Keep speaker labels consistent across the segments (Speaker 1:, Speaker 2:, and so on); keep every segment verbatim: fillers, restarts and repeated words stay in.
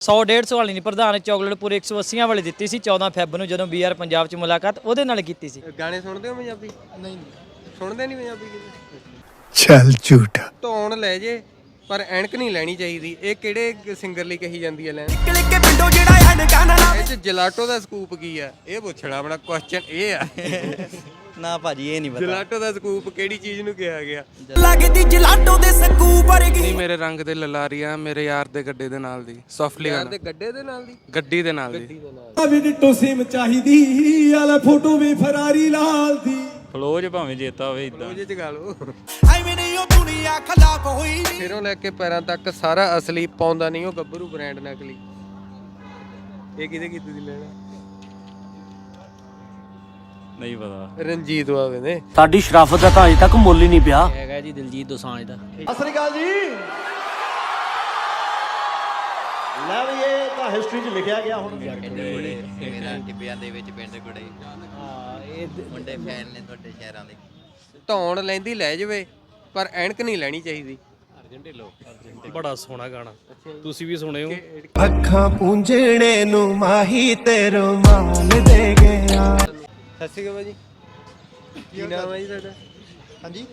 Speaker 1: सौ डेढ़ सौ वाली नहीं प्रधान चॉकलेट पूरे एक सौ अस्सी वाली दी सी चौदह फैब ਨੂੰ ਜਦੋਂ ਬੀ ਆਰ ਪੰਜਾਬ ਚ ਮੁਲਾਕਾਤ ਉਹਦੇ ਨਾਲ ਕੀਤੀ ਸੀ।
Speaker 2: ਗਾਣੇ ਸੁਣਦੇ ਹੋ ਪੰਜਾਬੀ? ਨਹੀਂ ਸੁਣਦੇ ਨਹੀਂ ਪੰਜਾਬੀ ਕਿਤੇ।
Speaker 3: ਚੱਲ ਝੂਠਾ
Speaker 2: ਧੌਣ ਲੈ ਜੇ ਪਰ ਐਨਕ ਨਹੀਂ ਲੈਣੀ ਚਾਹੀਦੀ। ਇਹ ਕਿਹੜੇ ਸਿੰਗਰ ਲਈ ਕਹੀ ਜਾਂਦੀ ਹੈ ਲੈਣ? ਇਹ ਚ ਜਲਾਟੋ ਦਾ ਸਕੂਪ ਕੀ ਆ? ਇਹ ਪੁੱਛਣਾ ਆਪਣਾ ਕੁਐਸਚਨ ਇਹ ਆ।
Speaker 4: ਨਾ ਭਾਜੀ ਇਹ ਨਹੀਂ ਪਤਾ
Speaker 2: ਜਲਾਟੋ ਦਾ ਸਕੂਪ ਕਿਹੜੀ ਚੀਜ਼ ਨੂੰ ਕਿਹਾ ਗਿਆ?
Speaker 4: ਲੱਗਦੀ ਜਲਾਟੋ ਦੇ ਸਕੂਪ ਵਰਗੀ
Speaker 5: ਨਹੀਂ ਮੇਰੇ ਰੰਗ ਦੇ ਲਲਾਰੀਆਂ ਮੇਰੇ ਯਾਰ ਦੇ ਗੱਡੇ ਦੇ ਨਾਲ ਦੀ ਸੌਫਟਲੀ
Speaker 2: ਯਾਰ ਦੇ ਗੱਡੇ ਦੇ ਨਾਲ ਦੀ
Speaker 5: ਗੱਡੀ ਦੇ ਨਾਲ ਦੀ
Speaker 6: ਵੀ ਡਿੱਟੋ ਸਿਮ ਚਾਹੀਦੀ ਆਲਾ ਫੋਟੋ ਵੀ ਫਰਾਰੀ ਲਾਲ ਦੀ
Speaker 7: ਫਲੋਜ ਭਾਵੇਂ ਜੇਤਾ ਹੋਵੇ ਇਦਾਂ
Speaker 2: ਉਹ ਚ ਗਾ ਲਓ।
Speaker 4: ਐਵੇਂ ਨਹੀਂ ਉਹ ਦੁਨੀਆ ਖਲਾਫ ਹੋਈ
Speaker 2: ਸਿਰੋਂ ਲੈ ਕੇ ਪੈਰਾਂ ਤੱਕ ਸਾਰਾ ਅਸਲੀ ਪਾਉਂਦਾ ਨਹੀਂ ਉਹ ਗੱਭਰੂ ਬ੍ਰਾਂਡ ਨਕਲੀ। ਇਹ ਕਿਹਦੇ ਕੀਤੀ ਸੀ ਲੈਣਾ?
Speaker 7: ਨਹੀਂ ਪਤਾ।
Speaker 2: ਰਣਜੀਤ ਬਾਵੇ ਨੇ।
Speaker 8: ਸਾਡੀ ਸ਼ਰਾਫਤ ਦਾ ਤਾਂ ਅਜੇ ਤੱਕ ਮੁੱਲ ਹੀ ਨਹੀਂ ਪਿਆ।
Speaker 1: ਹੈਗਾ ਜੀ ਦਿਲਜੀਤ ਦੋਸਾਂਝ ਦਾ।
Speaker 6: ਸਤਿ ਸ੍ਰੀ ਅਕਾਲ ਜੀ। ਲੈ ਵੀ ਇਹ ਤਾਂ ਹਿਸਟਰੀ 'ਚ ਲਿਖਿਆ ਗਿਆ ਹੁਣ।
Speaker 4: ਮੇਰਾ ਟਿੱਬਿਆਂ ਦੇ ਵਿੱਚ ਪਿੰਡ ਗੁੜੇ
Speaker 1: ਹਾਂ ਇਹ
Speaker 4: ਮੁੰਡੇ ਫੈਨ ਨੇ ਤੁਹਾਡੇ ਸ਼ਹਿਰਾਂ ਦੇ।
Speaker 2: ਧੌਣ ਲੈਂਦੀ ਲੈ ਜਾਵੇ ਪਰ ਐਨਕ ਨਹੀਂ ਲੈਣੀ ਚਾਹੀਦੀ।
Speaker 7: ਬੜਾ ਸੋਹਣਾ ਗਾਣਾ ਤੁਸੀਂ ਵੀ ਸੁਣਿਓ।
Speaker 6: ਅੱਖਾਂ ਪੂੰਝਣੇ ਨੂੰ ਮਾਹੀ ਤੇ ਰੁਮਾਲ ਦੇ ਗਿਆ।
Speaker 2: ਸਤਿ ਸ਼੍ਰੀ ਅਕਾਲ ਜੀ। ਕੀ ਨਾਮ ਹੈ ਜੀ ਤੁਹਾਡਾ?
Speaker 6: ਹਾਂਜੀ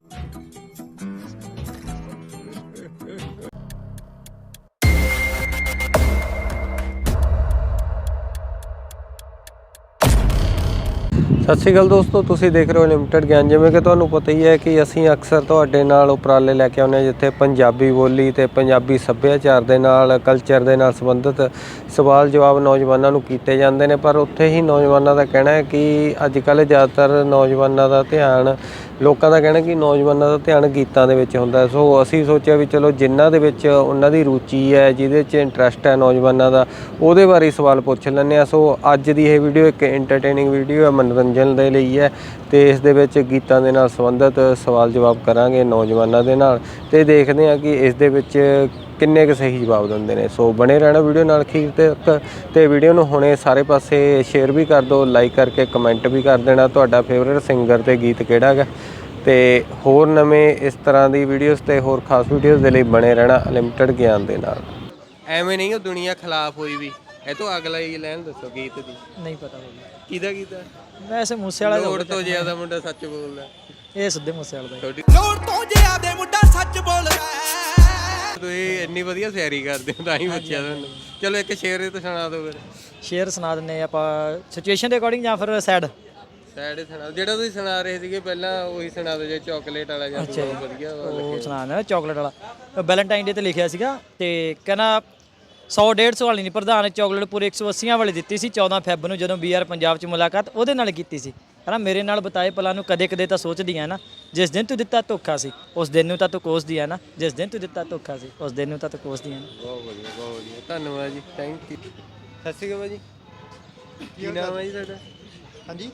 Speaker 2: ਸਤਿ ਸ਼੍ਰੀ ਅਕਾਲ ਦੋਸਤੋ, ਤੁਸੀਂ ਦੇਖ ਰਹੇ ਹੋ ਲਿਮਟਿਡ ਗਿਆਨ। ਜਿਵੇਂ ਕਿ ਤੁਹਾਨੂੰ ਪਤਾ ਹੀ ਹੈ ਕਿ ਅਸੀਂ ਅਕਸਰ ਤੁਹਾਡੇ ਨਾਲ ਉਪਰਾਲੇ ਲੈ ਕੇ ਆਉਂਦੇ ਹਾਂ ਜਿੱਥੇ ਪੰਜਾਬੀ ਬੋਲੀ ਤੇ ਪੰਜਾਬੀ ਸੱਭਿਆਚਾਰ ਦੇ ਨਾਲ ਕਲਚਰ ਦੇ ਨਾਲ ਸੰਬੰਧਿਤ ਸਵਾਲ ਜਵਾਬ ਨੌਜਵਾਨਾਂ ਨੂੰ ਕੀਤੇ ਜਾਂਦੇ ਨੇ। ਪਰ ਉੱਥੇ ਹੀ ਨੌਜਵਾਨਾਂ ਦਾ ਕਹਿਣਾ ਹੈ ਕਿ ਅੱਜ ਕੱਲ੍ਹ ਜ਼ਿਆਦਾਤਰ ਨੌਜਵਾਨਾਂ ਦਾ ਧਿਆਨ ਲੋਕਾਂ ਦਾ ਕਹਿਣਾ ਕਿ ਨੌਜਵਾਨਾਂ ਦਾ ਧਿਆਨ ਗੀਤਾਂ ਦੇ ਵਿੱਚ ਹੁੰਦਾ। ਸੋ ਅਸੀਂ ਸੋਚਿਆ ਵੀ ਚਲੋ ਜਿਨ੍ਹਾਂ ਦੇ ਵਿੱਚ ਉਹਨਾਂ ਦੀ ਰੁਚੀ ਹੈ, ਜਿਹਦੇ 'ਚ ਇੰਟਰਸਟ ਹੈ ਨੌਜਵਾਨਾਂ ਦਾ, ਉਹਦੇ ਬਾਰੇ ਸਵਾਲ ਪੁੱਛ ਲੈਂਦੇ ਹਾਂ। ਸੋ ਅੱਜ ਦੀ ਇਹ ਵੀਡੀਓ ਇੱਕ ਐਂਟਰਟੇਨਿੰਗ ਵੀਡੀਓ ਹੈ, ਮਨੋਰੰਜਨ ਦੇ ਲਈ ਹੈ ਤੇ ਇਸ ਦੇ ਵਿੱਚ ਗੀਤਾਂ ਦੇ ਨਾਲ ਸੰਬੰਧਿਤ ਸਵਾਲ ਜਵਾਬ ਕਰਾਂਗੇ ਨੌਜਵਾਨਾਂ ਦੇ ਨਾਲ ਤੇ ਦੇਖਦੇ ਹਾਂ ਕਿ ਇਸ ਦੇ ਵਿੱਚ ਕਿੰਨੇ ਕੁ ਸਹੀ ਜਵਾਬ ਦਿੰਦੇ ਨੇ। ਸੋ ਬਣੇ ਰਹਿਣਾ ਵੀਡੀਓ ਨਾਲ ਅਖੀਰ ਤੱਕ ਤੇ ਵੀਡੀਓ ਨੂੰ ਹੁਣੇ ਸਾਰੇ ਪਾਸੇ ਸ਼ੇਅਰ ਵੀ ਕਰ ਦਿਓ, ਲਾਈਕ ਕਰਕੇ ਕਮੈਂਟ ਵੀ ਕਰ ਦੇਣਾ ਤੁਹਾਡਾ ਫੇਵਰੇਟ ਸਿੰਗਰ ਤੇ ਗੀਤ ਕਿਹੜਾ ਹੈਗਾ। ਤੇ ਹੋਰ ਨਵੇਂ ਇਸ ਤਰ੍ਹਾਂ ਦੀ ਵੀਡੀਓਜ਼ ਤੇ ਹੋਰ ਖਾਸ ਵੀਡੀਓਜ਼ ਦੇ ਲਈ ਬਣੇ ਰਹਿਣਾ ਲਿਮਟਿਡ ਗਿਆਨ ਦੇ ਨਾਲ। ਐਵੇਂ ਨਹੀਂ ਉਹ ਦੁਨੀਆ ਖਿਲਾਫ ਹੋਈ ਵੀ। ਇਹ ਤੋਂ ਅਗਲਾ ਹੀ ਲੈਣ ਦੱਸੋ ਗੀਤ ਦੀ।
Speaker 1: ਨਹੀਂ ਪਤਾ ਭਾਜੀ
Speaker 2: ਕਿਹਦਾ ਗੀਤ ਹੈ?
Speaker 1: ਵੈਸੇ ਮੂਸੇ ਵਾਲਾ
Speaker 2: ਲੋੜ ਤੋਂ ਜ਼ਿਆਦਾ ਮੁੰਡਾ ਸੱਚ ਬੋਲਦਾ।
Speaker 1: ਇਹ ਸਿੱਧੇ ਮੂਸੇ ਵਾਲਾ ਦਾ।
Speaker 4: ਲੋੜ ਤੋਂ ਜ਼ਿਆਦਾ ਮੁੰਡਾ ਸੱਚ ਬੋਲਦਾ।
Speaker 2: ਤੁਸੀਂ ਇੰਨੀ ਵਧੀਆ ਸਿਆਰੀ ਕਰਦੇ ਹੋ ਤਾਂ ਹੀ ਪੁੱਛਿਆ ਤੁਹਾਨੂੰ। ਚਲੋ ਇੱਕ ਸ਼ੇਰ ਤੇ ਸੁਣਾ ਦਿਓ ਫਿਰ।
Speaker 1: ਸ਼ੇਅਰ ਸੁਣਾ ਦਿੰਨੇ ਆਪਾਂ ਸਿਚੁਏਸ਼ਨ ਦੇ ਅਕੋਰਡਿੰਗ ਜਾਂ ਫਿਰ ਸੈਡ
Speaker 2: ਸੈਡ ਸੁਣਾ ਜਿਹੜਾ ਤੁਸੀਂ ਸੁਣਾ ਰਹੇ ਸੀਗੇ ਪਹਿਲਾਂ ਉਹੀ ਸੁਣਾ ਦਿਓ ਜੇ ਚਾਕਲੇਟ ਵਾਲਾ ਜਾਂ ਵਧੀਆ
Speaker 1: ਉਹ ਸੁਣਾ ਦਿੰਦਾ ਚਾਕਲੇਟ ਵਾਲਾ। ਵੈਲੈਂਟਾਈਨ ਡੇ ਤੇ ਲਿਖਿਆ ਸੀਗਾ ਤੇ ਕਹਿੰਦਾ ਸੌ ਡੇਢ ਸੌ ਵਾਲੀ ਨਹੀਂ ਪ੍ਰਧਾਨ ਚੌਕਲੇਟ ਪੂਰੇ ਇੱਕ ਸੌ ਅੱਸੀ ਵਾਲੀ ਦਿੱਤੀ ਸੀ ਚੌਦਹ ਫੈਬ ਨੂੰ ਜਦੋਂ ਬੀ ਆਰ ਪੰਜਾਬ ਚ ਮੁਲਾਕਾਤ ਉਹਦੇ ਨਾਲ ਕੀਤੀ ਸੀ। ਕਹਿੰਦਾ ਮੇਰੇ ਨਾਲ ਬਤਾਏ ਪਲਾਂ ਨੂੰ ਕਦੇ ਕਦੇ ਤਾਂ ਸੋਚਦੀ ਆ ਨਾ ਜਿਸ ਦਿਨ ਤੂੰ ਦਿੱਤਾ ਧੋਖਾ ਸੀ ਉਸ ਦਿਨ ਨੂੰ ਤਾਂ ਤੂੰ ਕੋਸਦੀ ਆ ਨਾ ਜਿਸ ਦਿਨ ਤੂੰ ਦਿੱਤਾ ਧੋਖਾ ਸੀ ਉਸ ਦਿਨ ਨੂੰ ਤਾਂ ਤੂੰ ਕੋਸਦੀ ਆ ਨਾ।
Speaker 2: ਬਹੁਤ ਵਧੀਆ ਬਹੁਤ ਵਧੀਆ ਧੰਨਵਾਦ ਜੀ, ਥੈਂਕ ਯੂ। ਸਤਿ ਸ਼੍ਰੀ ਅਕਾਲ ਜੀ। ਕੀ ਨਾਮ ਹੈ ਜੀ ਤੁਹਾਡਾ?
Speaker 6: ਹਾਂਜੀ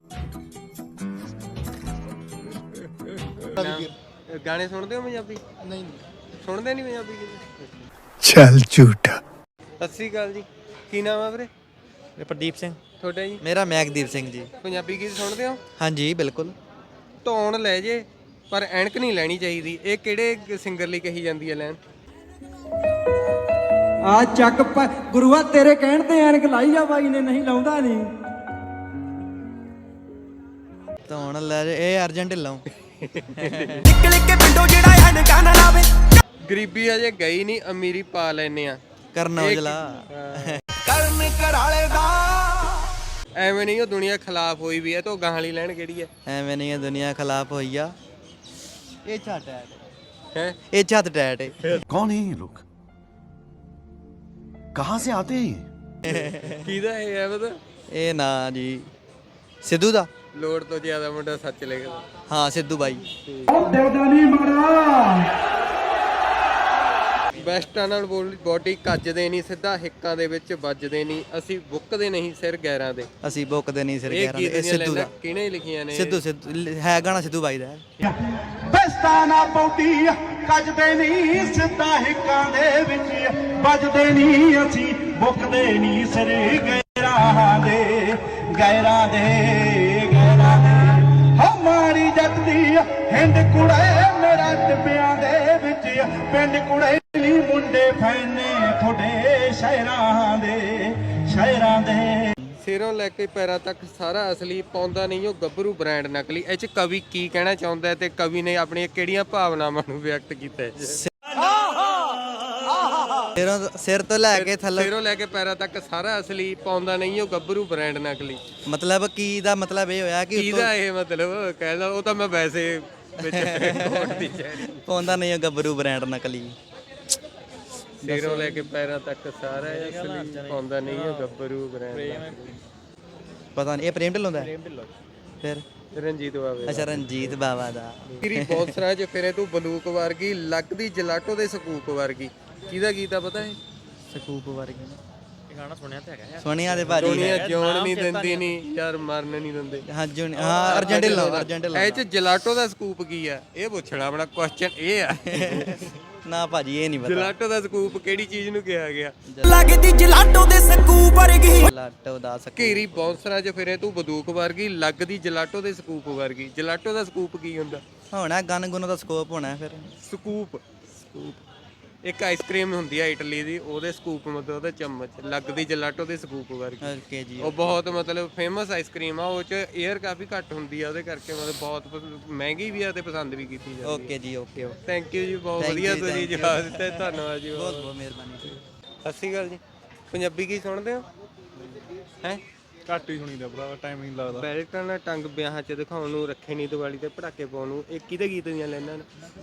Speaker 2: ਗਾਣੇ ਸੁਣਦੇ ਹੋ ਪੰਜਾਬੀ? ਨਹੀਂ ਸੁਣਦੇ ਨਹੀਂ ਪੰਜਾਬੀ ਕਿਤੇ।
Speaker 3: ਚੱਲ ਝੂਠਾ।
Speaker 2: ਸਤਿ ਸ਼੍ਰੀ ਅਕਾਲ ਜੀ। ਕੀ ਨਾਮ ਹੈ ਵੀਰੇ?
Speaker 4: ਪ੍ਰਦੀਪ ਸਿੰਘ।
Speaker 2: ਤੁਹਾਡਾ ਜੀ?
Speaker 4: ਮੇਰਾ ਮੈਕਦੀਪ ਸਿੰਘ ਜੀ।
Speaker 2: ਪੰਜਾਬੀ ਗੀਤ ਸੁਣਦੇ ਹੋ?
Speaker 4: ਹਾਂਜੀ ਬਿਲਕੁਲ।
Speaker 2: ਧੌਣ ਲੈ ਜੇ ਪਰ ਐਨਕ ਨਹੀਂ ਲੈਣੀ ਚਾਹੀਦੀ। ਇਹ ਕਿਹੜੇ ਸਿੰਗਰ ਲਈ ਕਹੀ ਜਾਂਦੀ ਹੈ ਲੈਣ?
Speaker 6: ਆ ਚੱਕ ਗੁਰੂਆ ਤੇਰੇ ਕਹਿਣ ਤੇ ਐਨਕ ਲਾਈ ਜਾ ਬਾਈ ਨੇ, ਨਹੀਂ ਲਾਉਂਦਾ ਨਹੀਂ।
Speaker 4: ਧੌਣ ਲੈ ਇਹ ਅਰਜਨ ਢਿੱਲੋਂ। ਨਿਕਲ ਕੇ ਪਿੰਡੋਂ ਜਿਹੜਾ ਐਨਕਾਂ ਨਾ ਲਾਵੇ।
Speaker 2: ਗਰੀਬੀ ਅਜੇ ਗਈ ਨਹੀਂ, ਅਮੀਰੀ ਪਾ ਲੈਨੇ ਆ।
Speaker 4: ਕਰਨ ਔਜਲਾ ਕਰਨ ਕਰਾਲੇ ਦਾ।
Speaker 2: ਐਵੇਂ ਨਹੀਂ ਉਹ ਦੁਨੀਆ ਖਿਲਾਫ ਹੋਈ ਵੀ ਹੈ ਤਾਂ ਗਾਹਾਂ ਵਾਲੀ ਲੈਣ ਕਿਹੜੀ ਹੈ?
Speaker 4: ਐਵੇਂ ਨਹੀਂ ਦੁਨੀਆ ਖਿਲਾਫ ਹੋਈ ਆ। ਇਹ ਛੱਟ ਟੈਟ
Speaker 2: ਹੈ
Speaker 4: ਇਹ ਛੱਤ ਟੈਟ ਹੈ।
Speaker 8: ਕੌਣ ਹੈ ਇਹ ਲੋਕ? ਕਹਾਂ ਸੇ ਆਤੇ ਹੈ?
Speaker 2: ਕਿਹਦਾ ਇਹ ਹੈ ਪਤਾ?
Speaker 4: ਇਹ ਨਾ ਜੀ ਸਿੱਧੂ ਦਾ।
Speaker 2: ਲੋੜ ਤੋਂ ਜ਼ਿਆਦਾ ਮੁੰਡਾ ਸੱਚ ਲਿਖਦਾ।
Speaker 4: ਹਾਂ ਸਿੱਧੂ ਬਾਈ।
Speaker 2: ਬੈਸਟਾਂ ਨਾਲ ਬੋਡੀ ਕੱਜਦੇ ਨਹੀਂ, ਸਿੱਧਾ ਹਿੱਕਾਂ ਦੇ ਵਿੱਚ ਵੱਜਦੇ ਨਹੀਂ, ਅਸੀਂ ਬੁੱਕਦੇ ਨਹੀਂ ਸਿਰ ਗੈਰਾਂ ਦੇ।
Speaker 4: ਅਸੀਂ ਬੁੱਕਦੇ ਨਹੀਂ ਸਿਰ
Speaker 2: ਇਹ
Speaker 4: ਗੈਰਾਂ ਦੇ।
Speaker 2: ਗੀਤ ਦੀਆਂ
Speaker 4: ਸਿੱਧੂ ਦਾ
Speaker 2: ਲਾਈਨਾਂ ਕਿਹਨੇ ਲਿਖੀਆਂ ਨੇ?
Speaker 4: ਸਿੱਧੂ ਸਿੱਧੂ ਹੈ ਗਾਣਾ ਸਿੱਧੂ ਬਾਈ ਦਾ।
Speaker 6: ਬਸਤਾ ਨਾ ਬੋਡੀ ਕੱਜਦੇ ਨਹੀਂ, ਸਿੱਧਾ ਹਿੱਕਾਂ ਦੇ ਵਿੱਚ ਵੱਜਦੇ ਨਹੀਂ, ਅਸੀਂ ਬੁੱਕਦੇ ਨਹੀਂ ਸਿਰ ਗੈਰਾਂ ਦੇ ਗੈਰਾਂ ਦੇ ਗੈਰਾਂ ਦੇ। ਹਮਾਰੀ ਜੱਟ ਦੀ ਹਿੰਦ ਕੁੜੇ ਮੇਰਾ ਟਿੱਬਿਆਂ ਦੇ ਵਿੱਚ ਪਿੰਡ ਕੁੜੇ ਨੀ ਮੁੰਡੇ ਫੈਨੇ ਤੁਹਾਡੇ ਸ਼ਹਿਰਾਂ ਦੇ ਸ਼ਹਿਰਾਂ ਦੇ
Speaker 2: ਸਿਰੋਂ ਲੈ ਕੇ ਪੈਰਾਂ ਤੱਕ ਸਾਰਾ ਅਸਲੀ, ਪਾਉਂਦਾ ਨਹੀਂ ਉਹ ਗੱਭਰੂ ਬ੍ਰਾਂਡ ਨਕਲੀ। ਇਹ ਚ ਕਵੀ ਕੀ ਕਹਿਣਾ ਚਾਹੁੰਦਾ ਹੈ ਤੇ ਕਵੀ ਨੇ ਆਪਣੀਆਂ ਕਿਹੜੀਆਂ ਭਾਵਨਾਵਾਂ ਨੂੰ ਵਿਅਕਤ ਕੀਤਾ ਹੈ?
Speaker 4: ਸਿਰੋਂ ਸਿਰ ਤੋਂ ਲੈ ਕੇ ਥੱਲੇ
Speaker 2: ਸਿਰੋਂ ਲੈ ਕੇ ਪੈਰਾਂ ਤੱਕ ਸਾਰਾ ਅਸਲੀ, ਪਾਉਂਦਾ ਨਹੀਂ ਉਹ ਗੱਭਰੂ ਬ੍ਰਾਂਡ ਨਕਲੀ।
Speaker 4: ਮਤਲਬ ਕੀ ਦਾ ਮਤਲਬ ਇਹ ਹੋਇਆ ਕਿ
Speaker 2: ਕਿਹਦਾ ਇਹ ਮਤਲਬ ਕਹਿੰਦਾ? ਉਹ ਤਾਂ ਮੈਂ ਵੈਸੇ ਵਿੱਚ ਕੋਟ ਦੀ ਸ਼ਾਇਰੀ।
Speaker 4: ਪਾਉਂਦਾ ਨਹੀਂ ਉਹ ਗੱਭਰੂ ਬ੍ਰਾਂਡ ਨਕਲੀ।
Speaker 2: ਸਿਰੋਂ ਲੈ ਕੇ ਪੈਰਾਂ ਤੱਕ ਸਾਰਾ ਅਸਲੀ, ਪਾਉਂਦਾ ਨਹੀਂ ਉਹ ਗੱਭਰੂ ਬ੍ਰਾਂਡ ਨਕਲੀ।
Speaker 4: ਪਤਾ ਨਹੀਂ ਇਹ ਪ੍ਰੇਮ ਢਿੱਲੋਂ ਦਾ ਹੈ? ਫਿਰ
Speaker 2: ਰਣਜੀਤ ਬਾਵੇ।
Speaker 4: ਅੱਛਾ ਰਣਜੀਤ ਬਾਵਾ ਦਾ।
Speaker 2: ਤੇਰੀ ਬੌਂਸਰਾਂ 'ਚ ਫਿਰੇ ਤੂੰ ਬੰਦੂਕ ਵਰਗੀ, ਲੱਗਦੀ ਜਲਾਟੋ ਦੇ ਸਕੂਪ ਵਰਗੀ। ਕਿਹਦਾ ਗੀਤ ਆ ਪਤਾ ਹੈ?
Speaker 4: ਸਕੂਪ ਵਰਗੀ
Speaker 1: ਇਹ ਗਾਣਾ ਸੁਣਿਆ ਤਾਂ ਹੈਗਾ
Speaker 4: ਸੋਨੀਆ ਦੇ ਭਾਜੀ
Speaker 2: ਦੁਨੀਆ ਜਿਉਣ ਨਹੀਂ ਦਿੰਦੀ ਨਹੀਂ ਯਾਰ, ਮਰਨ ਨਹੀਂ ਦਿੰਦੇ।
Speaker 4: ਹਾਂ ਜੁਨ ਹਾਂ ਅਰਜਨ ਢਿੱਲੋਂ ਅਰਜਨ ਢਿੱਲੋਂ
Speaker 2: ਇਹ 'ਚ ਜਲਾਟੋ ਦਾ ਸਕੂਪ ਕੀ ਆ? ਇਹ ਪੁੱਛਣਾ ਆਪਣਾ ਕੁਐਸਚਨ ਇਹ ਆ।
Speaker 4: ਨਾ ਭਾਜੀ ਇਹ ਨਹੀਂ ਪਤਾ।
Speaker 2: ਜਲਾਟੋ ਦਾ ਸਕੂਪ ਕਿਹੜੀ ਚੀਜ਼ ਨੂੰ ਕਿਹਾ ਗਿਆ?
Speaker 4: ਲੱਗਦੀ ਜਲਾਟੋ ਦੇ ਸਕੂਪ ਵਰਗੀ। ਜਲਾਟੋ ਦਾ ਸਕੂਪ।
Speaker 2: ਘੇਰੀ ਬੌਂਸਰਾਂ 'ਚ ਫਿਰੇ ਤੂੰ ਬੰਦੂਕ ਵਰਗੀ, ਲੱਗਦੀ ਜਲਾਟੋ ਦੇ ਸਕੂਪ ਵਰਗੀ। ਜਲਾਟੋ ਦਾ ਸਕੂਪ ਕੀ ਹੁੰਦਾ?
Speaker 4: ਹੋਣਾ ਗਨ ਗੁਨ ਦਾ ਸਕੋਪ ਹੋਣਾ ਫਿਰ।
Speaker 2: ਸਕੂਪ ਸਕੂਪ ਇੱਕ ਆਈਸਕ੍ਰੀਮ ਹੁੰਦੀ ਆ ਇਟਲੀ ਦੀ, ਉਹਦੇ ਸਕੂਪ ਮਤਲਬ ਉਹਦੇ ਚਮਚ, ਲੱਗਦੀ ਜਲਾਟੋ ਦੇ ਸਕੂਪ ਵਰਗੀ।
Speaker 4: ਓਕੇ ਜੀ।
Speaker 2: ਉਹ ਬਹੁਤ ਮਤਲਬ ਫੇਮਸ ਆਈਸਕ੍ਰੀਮ ਆ। ਉਹ 'ਚ 에ਅਰ ਕਾਫੀ ਘੱਟ ਹੁੰਦੀ ਆ, ਉਹਦੇ ਕਰਕੇ ਮਤਲਬ ਬਹੁਤ ਪਸ- ਮਹਿੰਗੀ ਵੀ ਆ ਤੇ ਪਸੰਦ ਵੀ ਕੀਤੀ ਜਾਂਦੀ ਹੈ।
Speaker 4: ਓਕੇ ਜੀ ਓਕੇ ਓਕੇ।
Speaker 2: ਥੈਂਕ ਯੂ ਜੀ, ਬਹੁਤ
Speaker 4: Thank
Speaker 2: ਵਧੀਆ
Speaker 4: you,
Speaker 2: ਤੁਸੀਂ
Speaker 4: thank you.
Speaker 2: ਜਵਾਬ ਦਿੱਤਾ, ਧੰਨਵਾਦ ਜੀ।
Speaker 4: ਬਹੁਤ ਬਹੁਤ ਮਿਹਰਬਾਨੀ ਜੀ।
Speaker 2: ਸਤਿ ਸ਼੍ਰੀ ਅਕਾਲ ਜੀ। ਪੰਜਾਬੀ ਕੀ ਸੁਣਦੇ ਹੋ? ਹੈ
Speaker 7: ਘੱਟ ਹੀ ਸੁਣੀਦਾ ਭਰਾ, ਟਾਈਮ ਨਹੀਂ ਲੱਗਦਾ।
Speaker 2: ਬੈਲਟਾਂ ਨਾਲ ਟੰਗ ਵਿਆਹਾਂ 'ਚ ਦਿਖਾਉਣ ਨੂੰ, ਰੱਖੇ ਨਹੀਂ ਦੀਵਾਲੀ ਤੇ ਪਟਾਕੇ ਪਾਉਣ ਨੂੰ। ਇਹ ਕਿਹਦੇ ਗੀਤ ਦੀਆਂ ਲੈਣਾ ਨੇ?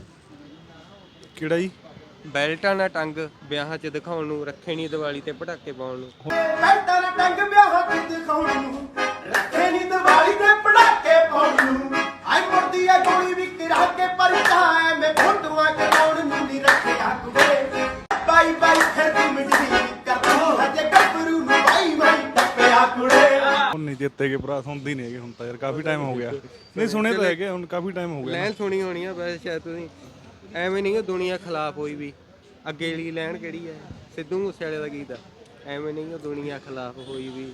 Speaker 7: ਕਿਹੜਾ ਜੀ?
Speaker 2: ਬੈਲਟਾਂ ਨਾਲ ਟੰਗ ਵਿਆਹਾਂ 'ਚ ਦਿਖਾਉਣ ਨੂੰ, ਰੱਖੇ ਨਹੀਂ ਦੀਵਾਲੀ ਤੇ ਪਟਾਕੇ ਪਾਉਣ ਨੂੰ।
Speaker 6: ਬੈਠਾ ਨਾ ਟੰਗ ਵਿਆਹਾਂ ਤੇ ਦਿਖਾਉਣ ਨੂੰ, ਰੱਖੇ ਨਹੀਂ ਦੀਵਾਲੀ ਤੇ ਪੜਾਕੇ ਪਾਉਣ ਨੂੰ। ਆਈ ਮੁਰਦੀ ਆ ਗੋਲੀ ਵੀ ਕਿਰਾ ਕੇ ਪਰਚਾ ਐ, ਮੈਂ ਫੋਟੋਆਂ ਕਰਾਉਣ ਨੂੰ ਨਹੀਂ ਰੱਖਿਆ ਕੁੜੇ। ਬਾਈ ਬਾਈ ਫਿਰ ਤੂੰ ਮਿੱਟੀ ਕਰਦੀ ਹਜੇ ਗੱਭਰੂ ਨੂੰ ਬਾਈ ਬਾਈ ਟੱਪਿਆ ਕੁੜੇ।
Speaker 7: ਹੁਣ ਨਹੀਂ ਜਿੱਤੇ ਗਏ ਭਰਾ, ਸੁਣਦੇ ਨਹੀਂ ਹੈਗੇ ਹੁਣ ਤਾਂ ਯਾਰ, ਕਾਫੀ ਟਾਈਮ ਹੋ ਗਿਆ। ਨਹੀਂ ਸੁਣੇ ਤਾਂ ਹੈਗੇ, ਹੁਣ ਕਾਫੀ ਟਾਈਮ ਹੋ ਗਿਆ।
Speaker 2: ਲੈਣ ਸੁਣੀ ਹੋਣੀ ਆ ਵੈਸੇ ਸ਼ਾਇਦ ਤੁਸੀਂ। ਐਵੇਂ ਨਹੀਂ ਉਹ ਦੁਨੀਆ ਖਿਲਾਫ ਹੋਈ ਵੀ। ਅੱਗੇ ਵਾਲੀ ਲੈਣ ਕਿਹੜੀ ਹੈ? ਸਿੱਧੂ ਮੂਸੇਵਾਲੇ ਦਾ ਗੀਤ ਆ। ਐਵੇਂ ਨਹੀਂ ਉਹ ਦੁਨੀਆ ਖਿਲਾਫ ਹੋਈ ਵੀ।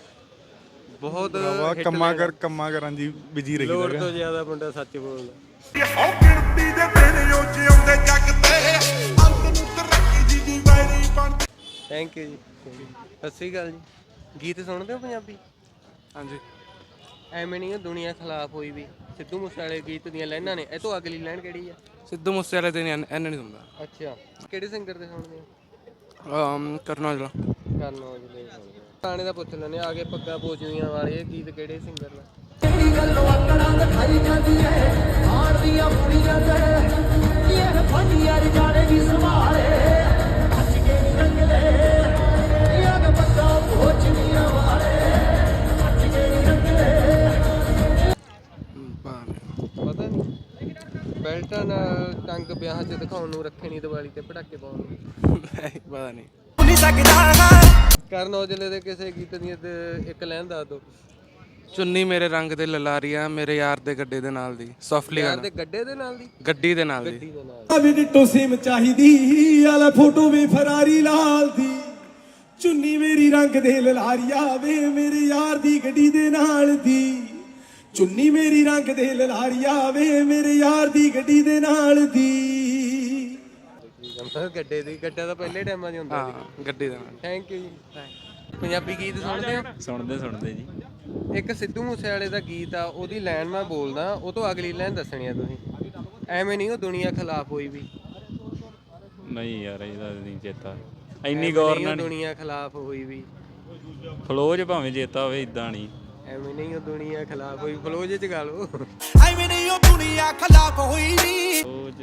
Speaker 2: ਬਹੁਤ
Speaker 7: ਭਰਾਵਾ
Speaker 2: hit
Speaker 7: ਕੰਮਾਂ
Speaker 2: ਲੈਣ।
Speaker 7: ਕਰ ਕੰਮਾਂ ਕਰਾਂ ਜੀ ਬਿਜੀ ਰਹੀ
Speaker 2: ਲੋੜ
Speaker 7: ਦਾ
Speaker 2: ਤੋਂ ਜ਼ਿਆਦਾ ਮੁੰਡਾ ਸੱਚ ਬੋਲਦਾ।
Speaker 6: ਉਹ ਗਿਣਤੀ ਦੇ ਦਿਨ ਉਹ ਜਿਉਂਦੇ ਜੱਗ ਤੇ ਅੰਤ ਨੂੰ ਤਰੱਕੀ ਦੀ ਦੀ ਵੈਰੀ ਬਣ।
Speaker 2: ਥੈਂਕ ਯੂ ਜੀ। ਸਤਿ ਸ਼੍ਰੀ ਅਕਾਲ ਜੀ। ਗੀਤ ਸੁਣਦੇ ਹੋ ਪੰਜਾਬੀ?
Speaker 5: ਹਾਂਜੀ।
Speaker 2: ਐਵੇਂ ਨਹੀਂ ਉਹ ਦੁਨੀਆ ਖਿਲਾਫ ਹੋਈ ਵੀ। ਸਿੱਧੂ ਮੂਸੇਵਾਲੇ ਗੀਤ ਦੀਆਂ ਲਾਈਨਾਂ ਨੇ। ਇਹ ਤੋਂ ਅਗਲੀ ਲਾਈਨ ਕਿਹੜੀ ਆ?
Speaker 5: ਸਿੱਧੂ ਮੂਸੇਵਾਲੇ ਦੇ ਨਹੀਂ ਐਨ ਨਹੀਂ ਸੁਣਦਾ।
Speaker 2: ਅੱਛਾ, ਕਿਹੜੇ ਸਿੰਗਰ ਦੇ ਸੁਣਦੇ ਹੋ?
Speaker 5: ਅਮ ਕਰਨਾ ਜਲਾ
Speaker 2: ਕਰਨ ਔਜਲੇ ਦੇ ਸੁਣਦੇ ਹੋ। ਗਾਣੇ ਦਾ ਪੁੱਛ ਲੈਂਦੇ ਆ। ਆ ਕੇ ਪੱਗਾਂ ਪੋਚਵੀਆਂ ਵਾਲੇ ਇਹ ਗੀਤ ਕਿਹੜੇ ਸਿੰਗਰ ਨੇ? ਪਤਾ ਨਹੀਂ। ਬੈਲਟਾਂ ਨਾਲ ਟੰਗ ਵਿਆਹਾਂ 'ਚ ਦਿਖਾਉਣ ਨੂੰ, ਰੱਖੇ ਨਹੀਂ ਦੀਵਾਲੀ ਤੇ ਪਟਾਕੇ ਪਾਉਣ ਨੂੰ।
Speaker 5: ਪਤਾ ਨਹੀਂ।
Speaker 2: ਕਰਨ ਔਜਲੇ ਦੇ ਕਿਸੇ ਗੀਤ ਦੀਆਂ ਤੇ ਇੱਕ ਲਾਈਨ ਦੱਸ ਦਿਓ।
Speaker 5: ਚੁੰਨੀ ਮੇਰੇ ਰੰਗ ਦੇ ਲਲਾਰੀਆਂ, ਮੇਰੇ ਯਾਰ ਦੇ ਗੱਡੇ ਦੇ ਨਾਲ ਦੀ। ਸੌਫਟਲੀ
Speaker 2: ਯਾਰ
Speaker 5: ਗਾਣਾ।
Speaker 2: ਦੇ ਗੱਡੇ ਦੇ ਨਾਲ ਦੀ?
Speaker 5: ਗੱਡੀ ਦੇ ਨਾਲ ਦੀ।
Speaker 2: ਗੱਡੀ ਦੇ ਨਾਲ।
Speaker 9: ਵੀ ਡਿੱਟੋ ਸਿਮ ਚਾਹੀਦੀ ਆਲੇ ਫੋਟੋ ਵੀ ਫਰਾਰੀ ਲਾਲ ਦੀ। ਚੁੰਨੀ ਮੇਰੀ ਰੰਗ ਦੇ ਲਲਾਰੀਆ ਵੇ ਮੇਰੇ ਯਾਰ ਦੀ ਗੱਡੀ ਦੇ ਨਾਲ ਦੀ। ਚੁੰਨੀ ਮੇਰੀ ਰੰਗ ਦੇ ਲਲਾਰੀਆ ਵੇ ਮੇਰੇ ਯਾਰ ਦੀ ਗੱਡੀ ਦੇ ਨਾਲ ਦੀ।
Speaker 2: ਗੱਡੇ ਦੀ ਗੱਡਾ ਤਾਂ ਪਹਿਲੇ ਟਾਈਮਾਂ 'ਚ ਹੁੰਦਾ ਸੀ।
Speaker 5: ਹਾਂ ਗੱਡੀ ਦੇ ਨਾਲ।
Speaker 2: ਥੈਂਕ ਯੂ ਜੀ। ਪੰਜਾਬੀ ਗੀਤ ਸੁਣਦੇ ਹੋ?
Speaker 10: ਸੁਣਦੇ ਸੁਣਦੇ ਜੀ।
Speaker 2: ਇੱਕ ਸਿੱਧੂ ਮੂਸੇਵਾਲੇ ਦਾ ਗੀਤ ਆ, ਉਹਦੀ ਲਾਈਨ ਮੈਂ ਬੋਲਦਾ, ਉਹ ਤੋਂ ਅਗਲੀ ਲਾਈਨ ਦੱਸਣੀ ਆ ਤੁਸੀਂ। ਐਵੇਂ ਨਹੀਂ ਉਹ ਦੁਨੀਆ ਖਿਲਾਫ ਹੋਈ ਵੀ।
Speaker 10: ਨਹੀਂ ਯਾਰ ਇਹਦਾ ਨਹੀਂ ਚੇਤਾ, ਇੰਨੀ ਗੌਰ ਨਾਲ
Speaker 2: ਦੁਨੀਆ ਖਿਲਾਫ ਹੋਈ ਵੀ।
Speaker 10: ਫਲੋਜ ਭਾਵੇਂ ਚੇਤਾ ਹੋਵੇ, ਇਦਾਂ ਨਹੀਂ।
Speaker 2: ਐਵੇਂ ਨਹੀਂ ਉਹ ਦੁਨੀਆ ਖਿਲਾਫ ਹੋਈ। ਫਲੋਜ ਚ ਗਾ ਲਓ।
Speaker 9: ਐਵੇਂ ਨਹੀਂ ਉਹ ਦੁਨੀਆ ਖਿਲਾਫ ਹੋਈ ਨੀ।
Speaker 10: ਫਲੋਜ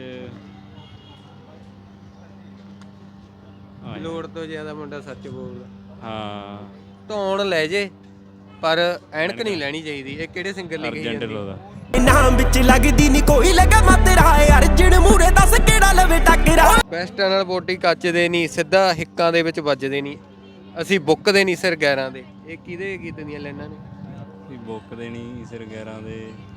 Speaker 2: ਲੋੜ ਤੋਂ ਜ਼ਿਆਦਾ ਮੁੰਡਾ ਸੱਚ ਬੋਲਦਾ।
Speaker 10: ਹਾਂ
Speaker 2: ਧੌਣ ਲੈ ਜੇ ਪਰ ਐਨਕ ਨਹੀਂ ਲੈਣੀ ਚਾਹੀਦੀ। ਇਹ ਕਿਹੜੇ ਸਿੰਗਰ ਲਈ ਕਹੀ
Speaker 10: ਅਰਜਨ
Speaker 2: ਜਾਂਦੀ?
Speaker 10: ਢਿੱਲੋਂ ਦਾ।
Speaker 9: ਨਾਮ ਵਿੱਚ ਲੱਗਦੀ ਨਹੀਂ ਕੋਈ ਲਗਾ ਮਾ ਤੇਰਾ ਅਰਜਨ ਮੂਰੇ ਦੱਸ ਕਿਹੜਾ ਲਵੇ ਟੱਕਰਾ।
Speaker 2: ਬੈਸਟਾਂ ਨਾਲ ਬੋਟੀ ਕੱਚਦੇ ਨਹੀਂ, ਸਿੱਧਾ ਹਿੱਕਾਂ ਦੇ ਵਿੱਚ ਵੱਜਦੇ ਨਹੀਂ, ਅਸੀਂ ਬੁੱਕਦੇ ਨਹੀਂ ਸਿਰ ਗੈਰਾਂ ਦੇ। ਇਹ ਕਿਹਦੇ ਗੀਤ ਦੀਆਂ ਲਾਈਨਾਂ ਨੇ?
Speaker 10: ਵੀ ਬੁੱਕਦੇ ਨਹੀਂ ਸਿਰ ਗੈਰਾਂ ਦੇ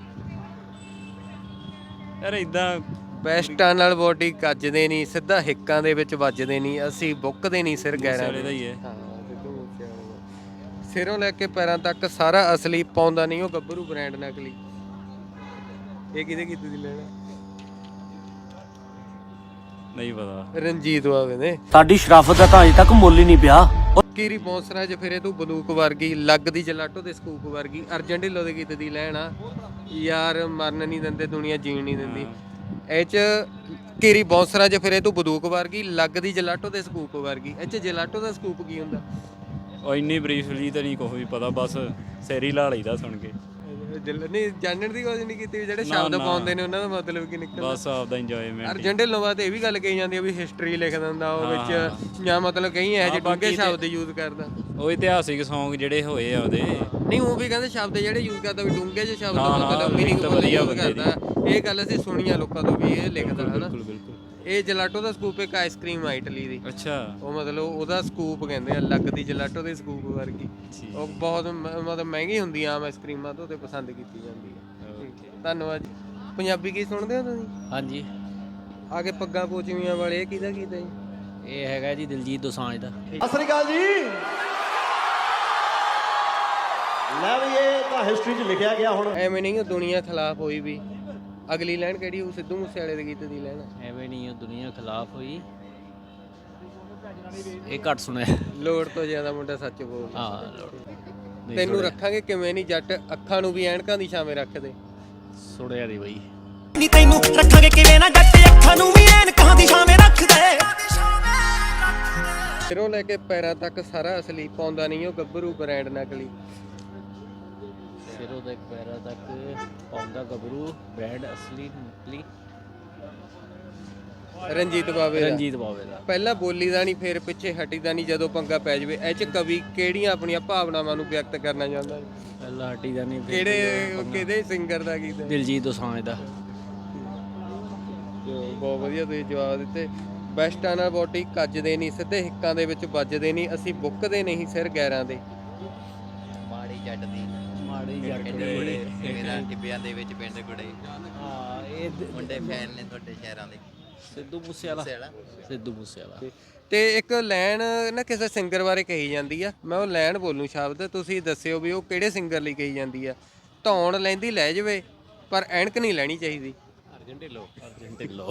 Speaker 10: ਯਾਰ ਇਦਾਂ।
Speaker 2: ਬੈਸਟਾਂ ਨਾਲ ਬੋਡੀ ਕੱਜਦੇ ਨਹੀਂ, ਸਿੱਧਾ ਹਿੱਕਾਂ ਦੇ ਵਿੱਚ ਵੱਜਦੇ ਨਹੀਂ, ਅਸੀਂ ਬੁੱਕਦੇ ਨਹੀਂ ਸਿਰ ਗੈਰਾਂ
Speaker 10: ਮੂਸੇਵਾਲੇ ਦਾ ਹੀ ਹੈ।
Speaker 2: ਹਾਂ ਸਿੱਧੂ ਮੂਸੇਵਾਲੇ ਦਾ। ਸਿਰੋਂ ਲੈ ਕੇ ਪੈਰਾਂ ਤੱਕ ਸਾਰਾ ਅਸਲੀ, ਪਾਉਂਦਾ ਨਹੀਂ ਉਹ ਗੱਭਰੂ ਬ੍ਰਾਂਡ ਨਕਲੀ। ਇਹ ਕਿਹਦੇ ਗੀਤ ਦੀ ਲੈਣਾ?
Speaker 10: ਨਹੀਂ ਪਤਾ।
Speaker 2: ਰਣਜੀਤ ਬਾਵੇ ਨੇ।
Speaker 8: ਸਾਡੀ ਸ਼ਰਾਫਤ ਦਾ ਤਾਂ ਅਜੇ ਤੱਕ ਮੁੱਲ ਹੀ ਨਹੀਂ ਪਿਆ।
Speaker 2: ਕੀਰੀ ਬੌਂਸਰਾ ਚ ਫਿਰੇ ਤੂੰ ਬੰਦੂਕ ਵਰਗੀ, ਲੱਗਦੀ ਜਲਾਟੋ ਦੇ ਸਕੂਪ ਵਰਗੀ, ਅਰਜਨ ਢਿੱਲੋਂ ਦੇ ਗੀਤ ਦੀ ਲੈਣ ਆ ਯਾਰ, ਮਰਨ ਨਹੀਂ ਦਿੰਦੇ ਦੁਨੀਆ ਜੀਣ ਨਹੀਂ ਦਿੰਦੀ। ਇਹ ਚ ਕੀਰੀ ਬੌਂਸਰਾ ਚ ਫਿਰੇ ਤੂੰ ਬੰਦੂਕ ਵਰਗੀ, ਲੱਗਦੀ ਜਲਾਟੋ ਦੇ ਸਕੂਪ ਵਰਗੀ। ਇਹ ਚ ਜਲਾਟੋ ਦਾ ਸਕੂਪ ਕੀ ਹੁੰਦਾ?
Speaker 10: ਉਹ ਇੰਨੀ ਬਰੀਫਲੀ ਤਾਂ ਨਹੀਂ ਕੁਛ ਵੀ ਪਤਾ, ਬਸ ਸੈਰੀ ਲਾ ਲਈਦਾ ਸੁਣ ਕੇ।
Speaker 2: ਨਹੀਂ ਜਾਣਨ ਦੀ ਕੋਸ਼ਿਸ਼ ਨਹੀਂ ਕੀਤੀ ਵੀ ਜਿਹੜੇ ਸ਼ਬਦ ਪਾਉਂਦੇ ਨੇ ਉਹਨਾਂ ਦਾ ਮਤਲਬ ਕੀ ਨਿਕਲਦਾ।
Speaker 10: ਬਸ ਆਪਦਾ ਇੰਜੋਇਮੈਂਟ।
Speaker 2: ਅਰਜਨ ਢਿੱਲੋਂ ਬਾਅਦ ਇਹ ਵੀ ਗੱਲ ਕਹੀ ਜਾਂਦੀ ਆ ਵੀ ਹਿਸਟਰੀ ਲਿਖ ਦਿੰਦਾ ਉਹ ਵਿੱਚ, ਜਾਂ ਮਤਲਬ ਕਈ ਇਹੋ ਜਿਹੇ ਡੂੰਘੇ ਸ਼ਬਦ ਯੂਜ਼ ਕਰਦਾ।
Speaker 10: ਉਹ ਇਤਿਹਾਸਿਕ Song ਜਿਹੜੇ ਹੋਏ ਆ ਉਹਦੇ।
Speaker 2: ਨਹੀਂ ਉਹ ਵੀ ਕਹਿੰਦੇ ਸ਼ਬਦ ਜਿਹੜੇ ਯੂਜ਼ ਕਰਦਾ ਵੀ ਡੂੰਘੇ ਜਿਹੇ ਸ਼ਬਦ ਮਤਲਬ ਮੀਨਿੰਗਫੁਲ ਯੂਜ਼ ਕਰਦਾ। ਇਹ ਗੱਲ ਅਸੀਂ ਸੁਣੀ ਆ ਲੋਕਾਂ ਤੋਂ ਵੀ ਇਹ ਲਿਖਦਾ ਹਨਾ।
Speaker 10: ਬਿਲਕੁਲ ਬਿਲਕੁਲ।
Speaker 2: ਇਹ ਜਲਾਟੋ ਦਾ ਸਕੂਪ ਇੱਕ ਆਈਸਕ੍ਰੀਮ ਆ ਇਟਲੀ ਦੀ।
Speaker 10: ਅੱਛਾ।
Speaker 2: ਉਹ ਮਤਲਬ ਉਹਦਾ ਸਕੂਪ ਕਹਿੰਦੇ ਆ, ਲੱਗਦੀ ਜਲਾਟੋ ਦੇ ਸਕੂਪ ਵਰਗੀ। ਉਹ ਬਹੁਤ ਮ- ਮਤਲਬ ਮਹਿੰਗੀ ਹੁੰਦੀ ਆ ਆਮ ਆਈਸਕ੍ਰੀਮਾਂ ਤੋਂ, ਤੇ ਪਸੰਦ ਕੀਤੀ ਜਾਂਦੀ ਹੈ। ਧੰਨਵਾਦ ਜੀ। ਪੰਜਾਬੀ ਗੀਤ ਸੁਣਦੇ ਹੋ ਤੁਸੀਂ?
Speaker 1: ਹਾਂਜੀ।
Speaker 2: ਆ ਕੇ ਪੱਗਾਂ ਪੋਚਵੀਆਂ ਵਾਲੇ ਇਹ ਕਿਹਦਾ ਗੀਤ ਹੈ ਜੀ?
Speaker 1: ਇਹ ਹੈਗਾ ਜੀ ਦਿਲਜੀਤ ਦੋਸਾਂਝ ਦਾ।
Speaker 6: ਸਤਿ ਸ੍ਰੀ ਅਕਾਲ ਜੀ। ਲੈ ਵੀ ਇਹ ਤਾਂ ਹਿਸਟਰੀ 'ਚ ਲਿਖਿਆ ਗਿਆ ਹੁਣ।
Speaker 2: ਐਵੇਂ ਨਹੀਂ ਉਹ ਦੁਨੀਆ ਖਿਲਾਫ ਹੋਈ ਵੀ। ਅਗਲੀ ਲਾਈਨ ਕਿਹੜੀ ਉਹ ਸਿੱਧੂ ਮੂਸੇ ਵਾਲੇ ਦੇ ਗੀਤ ਦੀ ਲਾਈਨ?
Speaker 1: ਐਵੇਂ ਨਹੀਂ ਉਹ ਦੁਨੀਆ ਖਿਲਾਫ ਹੋਈ, ਇਹ ਘੱਟ ਸੁਣਿਆ।
Speaker 2: ਲੋੜ ਤੋਂ ਜ਼ਿਆਦਾ ਮੁੰਡਾ ਸੱਚ ਬੋਲ।
Speaker 1: ਹਾਂ
Speaker 2: ਤੈਨੂੰ ਰੱਖਾਂਗੇ ਕਿਵੇਂ ਨਹੀਂ ਜੱਟ, ਅੱਖਾਂ ਨੂੰ ਵੀ ਐਨਕਾਂ ਦੀ ਛਾਵੇਂ ਰੱਖਦੇ।
Speaker 1: ਸੁਣਿਆ ਨਹੀਂ ਬਈ।
Speaker 9: ਨੀ ਤੈਨੂੰ ਰੱਖਾਂਗੇ ਕਿਵੇਂ ਨਾ ਜੱਟ, ਅੱਖਾਂ ਨੂੰ ਵੀ ਐਨਕਾਂ ਦੀ ਛਾਵੇਂ ਰੱਖਦੇ।
Speaker 2: ਸਿਰੋਂ ਲੈ ਕੇ ਪੈਰਾਂ ਤੱਕ ਸਾਰਾ ਅਸਲੀ, ਪਾਉਂਦਾ ਨਹੀਂ ਉਹ ਗੱਭਰੂ ਬ੍ਰਾਂਡ ਨਕਲੀ।
Speaker 1: ਸਿਰੋਂ ਦੇ ਪੈਰਾਂ ਤੱਕ ਪਾਉਂਦਾ ਗੱਭਰੂ ਬ੍ਰਾਂਡ ਅਸਲੀ ਨਕਲੀ।
Speaker 2: ਰਣਜੀਤ ਬਾਵੇ ਦਾ।
Speaker 1: ਰਣਜੀਤ ਬਾਵੇ ਦਾ।
Speaker 2: ਪਹਿਲਾਂ ਬੋਲੀ ਦਾ ਨਹੀਂ, ਫਿਰ ਪਿੱਛੇ ਹਟੀਦਾ ਨਹੀਂ ਜਦੋਂ ਪੰਗਾ ਪੈ ਜਾਵੇ। ਇਹ ਚ ਕਵੀ ਕਿਹੜੀਆਂ ਆਪਣੀਆਂ ਭਾਵਨਾਵਾਂ ਨੂੰ ਵਿਅਕਤ ਕਰਨਾ ਚਾਹੁੰਦਾ?
Speaker 1: ਪਹਿਲਾਂ ਹਟੀ ਦਾ ਨਹੀਂ।
Speaker 2: ਕਿਹੜੇ ਕਿਹਦੇ ਸਿੰਗਰ ਦਾ ਗੀਤ ਹੈ?
Speaker 1: ਦਿਲਜੀਤ ਦੋਸਾਂਝ ਦਾ।
Speaker 2: ਬਹੁਤ ਵਧੀਆ ਤੁਸੀਂ ਜਵਾਬ ਦਿੱਤੇ। ਬੈਸਟਾਂ ਨਾਲ ਬੋਟੀ ਕੱਜਦੇ ਨਹੀਂ, ਸਿੱਧੇ ਹਿੱਕਾਂ ਦੇ ਵਿੱਚ ਵੱਜਦੇ ਨਹੀਂ, ਅਸੀਂ ਬੁੱਕਦੇ ਨਹੀਂ ਸਿਰ ਗੈਰਾਂ ਦੇ।
Speaker 4: ਮਾੜੀ ਜੱਟ ਦੀ
Speaker 1: ਮਾੜੀ ਜੱਟ
Speaker 4: ਗੁੜੇ ਮੇਰਾ ਟਿੱਬਿਆਂ ਦੇ ਵਿੱਚ ਪਿੰਡ ਗੁੜੇ।
Speaker 1: ਹਾਂ ਇਹ
Speaker 4: ਮੁੰਡੇ ਫੈਨ ਨੇ ਤੁਹਾਡੇ ਸ਼ਹਿਰਾਂ ਦੇ।
Speaker 1: ਸਿੱਧੂ ਮੂਸੇ ਵਾਲਾ। ਸਿੱਧੂ ਮੂਸੇ ਵਾਲਾ।
Speaker 2: ਤੇ ਇੱਕ ਲਾਈਨ ਨਾ ਕਿਸੇ ਸਿੰਗਰ ਬਾਰੇ ਕਹੀ ਜਾਂਦੀ ਆ, ਮੈਂ ਉਹ ਲਾਈਨ ਬੋਲੂ ਸ਼ਬਦ, ਤੁਸੀਂ ਦੱਸਿਓ ਵੀ ਉਹ ਕਿਹੜੇ ਸਿੰਗਰ ਲਈ ਕਹੀ ਜਾਂਦੀ ਆ। ਧੌਣ ਲੈਂਦੀ ਲੈ ਜਾਵੇ ਪਰ ਐਨਕ ਨਹੀਂ ਲੈਣੀ ਚਾਹੀਦੀ।
Speaker 1: ਅਰਜਨ ਢਿੱਲੋਂ। ਅਰਜਨ ਢਿੱਲੋਂ।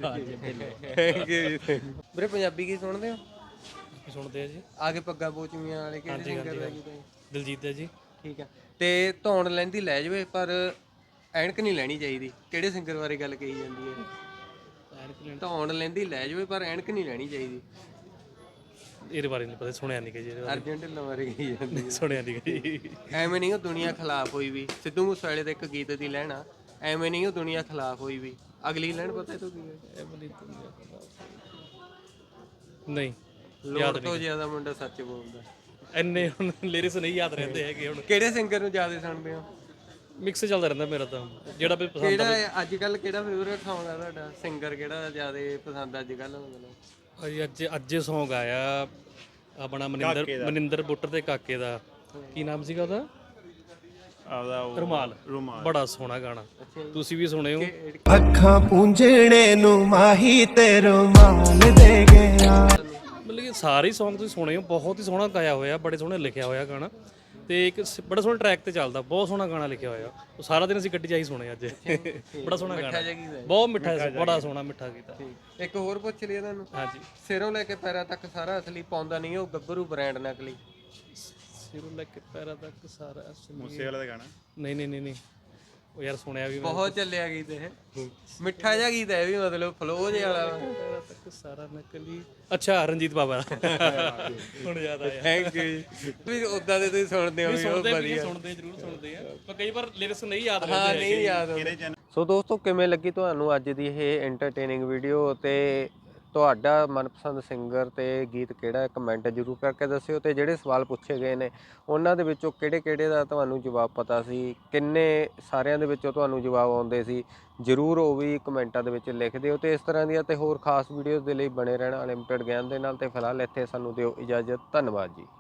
Speaker 2: ਵੀਰੇ ਪੰਜਾਬੀ ਕੀ ਸੁਣਦੇ ਹੋ?
Speaker 7: ਸੁਣਦੇ ਆ ਜੀ।
Speaker 2: ਆ ਕੇ ਪੱਗਾਂ ਪੋਚਵੀਆਂ ਵਾਲੇ ਕਿਹੜੇ ਸਿੰਗਰ ਦਾ ਗੀਤ ਹੈ?
Speaker 7: ਦਿਲਜੀਤ ਦਾ ਜੀ।
Speaker 2: ਠੀਕ ਆ। ਤੇ ਧੌਣ ਲੈਂਦੀ ਲੈ ਜਾਵੇ ਪਰ ਐਨਕ ਨਹੀਂ ਲੈਣੀ ਚਾਹੀਦੀ, ਕਿਹੜੇ ਸਿੰਗਰ ਬਾਰੇ ਗੱਲ ਕਹੀ ਜਾਂਦੀ ਹੈ? ਧੌਣ ਲੈਂਦੀ ਲੈ ਜਾਵੇ ਪਰ ਐਨਕ ਨਹੀਂ ਲੈਣੀ ਚਾਹੀਦੀ।
Speaker 7: ਇਹਦੇ ਬਾਰੇ ਨਹੀਂ ਪਤਾ, ਸੁਣਿਆ ਨਹੀਂ ਕਿ ਜੀ।
Speaker 2: ਅਰਜਨ ਢਿੱਲੋਂ ਬਾਰੇ ਕਹੀ ਜਾਂਦੀ।
Speaker 7: ਸੁਣਿਆ ਨਹੀਂ ਜੀ।
Speaker 2: ਐਵੇਂ ਨਹੀਂ ਉਹ ਦੁਨੀਆ ਖਿਲਾਫ ਹੋਈ ਵੀ। ਸਿੱਧੂ ਮੂਸੇ ਵਾਲੇ ਦਾ ਇੱਕ ਗੀਤ ਦੀ ਲੈਣਾ, ਐਵੇਂ ਨਹੀਂ ਉਹ ਦੁਨੀਆ ਖਿਲਾਫ ਹੋਈ ਵੀ। ਅਗਲੀ ਲੈਣ ਪਤਾ ਤੂੰ ਕੀ ਹੈ?
Speaker 7: ਨਹੀਂ।
Speaker 2: ਲੋੜ ਤੋਂ ਜ਼ਿਆਦਾ ਮੁੰਡਾ ਸੱਚ ਬੋਲਦਾ।
Speaker 7: ਇੰਨੇ ਹੁਣ ਲਿਰਿਕਸ ਨਹੀਂ ਯਾਦ ਰਹਿੰਦੇ ਹੈਗੇ ਹੁਣ।
Speaker 2: ਕਿਹੜੇ ਸਿੰਗਰ ਨੂੰ ਜ਼ਿਆਦਾ ਸੁਣਦੇ ਹੋ?
Speaker 7: ਮਿਕਸ ਚੱਲਦਾ ਰਹਿੰਦਾ ਮੇਰਾ ਤਾਂ, ਜਿਹੜਾ ਵੀ ਪਸੰਦ।
Speaker 2: ਕਿਹੜਾ ਅੱਜ ਕੱਲ ਕਿਹੜਾ ਫੇਵਰੇਟ Song ਆ ਤੁਹਾਡਾ? ਸਿੰਗਰ ਕਿਹੜਾ ਜ਼ਿਆਦਾ ਪਸੰਦ ਅੱਜ ਕੱਲ? ਮਤਲਬ
Speaker 7: ਅੱਜ ਅੱਜ Song ਆਇਆ ਆਪਣਾ ਮਨਿੰਦਰ ਮਨਿੰਦਰ ਬੁੱਟਰ ਤੇ ਕਾਕੇ ਦਾ, ਕੀ ਨਾਮ ਸੀਗਾ ਉਹਦਾ? ਆਪਦਾ ਰੁਮਾਲ। ਬੜਾ ਸੋਹਣਾ ਗਾਣਾ, ਤੁਸੀਂ ਵੀ ਸੁਣੇ ਹੋ।
Speaker 9: ਅੱਖਾਂ ਪੂੰਝਣੇ ਨੂੰ ਮਾਹੀ ਤੇ ਰੁਮਾਲ ਦੇ ਗਿਆ।
Speaker 7: ਮਤਲਬ ਕਿ ਸਾਰੇ Song ਤੁਸੀਂ ਸੁਣੇ ਹੋ, ਬਹੁਤ ਹੀ ਸੋਹਣਾ ਗਾਇਆ ਹੋਇਆ, ਬੜੇ ਸੋਹਣੇ ਲਿਖਿਆ ਹੋਇਆ ਗਾਣਾ, ਤੇ ਇੱਕ ਬੜਾ ਸੋਹਣਾ ਟਰੈਕ ਤੇ ਚੱਲਦਾ, ਬਹੁਤ ਸੋਹਣਾ ਗਾਣਾ ਲਿਖਿਆ ਹੋਇਆ। ਉਹ ਸਾਰਾ ਦਿਨ ਅਸੀਂ ਗੱਡੀ 'ਚ ਆਹੀ ਸੁਣੇ ਅੱਜ। ਬੜਾ ਸੋਹਣਾ ਗਾਣਾ, ਬਹੁਤ ਮਿੱਠਾ ਸੀ, ਬੜਾ ਸੋਹਣਾ ਮਿੱਠਾ ਗੀਤ।
Speaker 2: ਇੱਕ ਹੋਰ ਪੁੱਛ ਲਿਆ ਤੁਹਾਨੂੰ।
Speaker 7: ਹਾਂਜੀ।
Speaker 2: ਸਿਰੋਂ ਲੈ ਕੇ ਪੈਰਾਂ ਤੱਕ ਸਾਰਾ ਅਸਲੀ, ਪਾਉਂਦਾ ਨਹੀਂ ਉਹ ਗੱਭਰੂ ਬ੍ਰਾਂਡ ਨਕਲੀ।
Speaker 7: ਸਿਰੋਂ ਲੈ ਕੇ ਪੈਰਾਂ ਤੱਕ ਸਾਰਾ ਅਸਲੀ। ਮੂਸੇ ਵਾਲਾ ਦਾ ਗਾਣਾ? ਨਹੀਂ ਨਹੀਂ ਨਹੀਂ ਨਹੀਂ, ਉਹ ਯਾਰ ਸੁਣਿਆ ਵੀ
Speaker 2: ਬਹੁਤ ਚੱਲਿਆ ਗੀਤ ਇਹ, ਮਿੱਠਾ ਜਿਹਾ ਗੀਤ ਹੈ ਵੀ, ਮਤਲਬ ਫਲੋ ਜਿਹਾ ਵਾਲਾ।
Speaker 7: ਪੈਰਾਂ ਤੱਕ ਸਾਰਾ ਨਕਲੀ। ਅੱਛਾ, ਰਣਜੀਤ ਬਾਬਾ। ਹੁਣ ਯਾਦ ਆਇਆ।
Speaker 2: Thank you. ਵੀ ਉਦਾਂ ਦੇ ਤੁਸੀਂ ਸੁਣਦੇ ਹੋ?
Speaker 7: ਸੁਣਦੇ ਸੁਣਦੇ ਜ਼ਰੂਰ ਸੁਣਦੇ ਆ, ਪਰ ਕਈ ਵਾਰ ਲਿਰਿਕਸ ਨਹੀਂ ਯਾਦ ਰਹਿੰਦੇ।
Speaker 2: ਹਾਂ ਨਹੀਂ ਯਾਦ। ਸੋ ਦੋਸਤੋ, ਕਿਵੇਂ ਲੱਗੀ ਤੁਹਾਨੂੰ ਅੱਜ ਦੀ ਇਹ ਐਂਟਰਟੇਨਿੰਗ ਵੀਡੀਓ, ਤੇ ਤੁਹਾਡਾ ਮਨਪਸੰਦ ਸਿੰਗਰ ਤੇ ਗੀਤ ਕਿਹੜਾ ਹੈ ਕਮੈਂਟ ਜ਼ਰੂਰ ਕਰਕੇ ਦੱਸਿਓ। ਤੇ ਜਿਹੜੇ ਸਵਾਲ ਪੁੱਛੇ ਗਏ ਨੇ ਉਹਨਾਂ ਦੇ ਵਿੱਚੋਂ ਕਿਹੜੇ ਕਿਹੜੇ ਦਾ ਤੁਹਾਨੂੰ ਜਵਾਬ ਪਤਾ ਸੀ, ਕਿੰਨੇ ਸਾਰਿਆਂ ਦੇ ਵਿੱਚੋਂ ਤੁਹਾਨੂੰ ਜਵਾਬ ਆਉਂਦੇ ਸੀ, ਜ਼ਰੂਰ ਉਹ ਵੀ ਕਮੈਂਟਾਂ ਦੇ ਵਿੱਚ ਲਿਖ ਦਿਓ। ਤੇ ਇਸ ਤਰ੍ਹਾਂ ਦੀਆਂ ਤੇ ਹੋਰ ਖਾਸ ਵੀਡੀਓਜ਼ ਦੇ ਲਈ ਬਣੇ ਰਹਿਣਾ ਅਨਲਿਮਟਿਡ ਗਿਆਨ ਦੇ ਨਾਲ। ਤੇ ਫਿਲਹਾਲ ਇੱਥੇ ਸਾਨੂੰ ਦਿਓ ਇਜਾਜ਼ਤ। ਧੰਨਵਾਦ ਜੀ।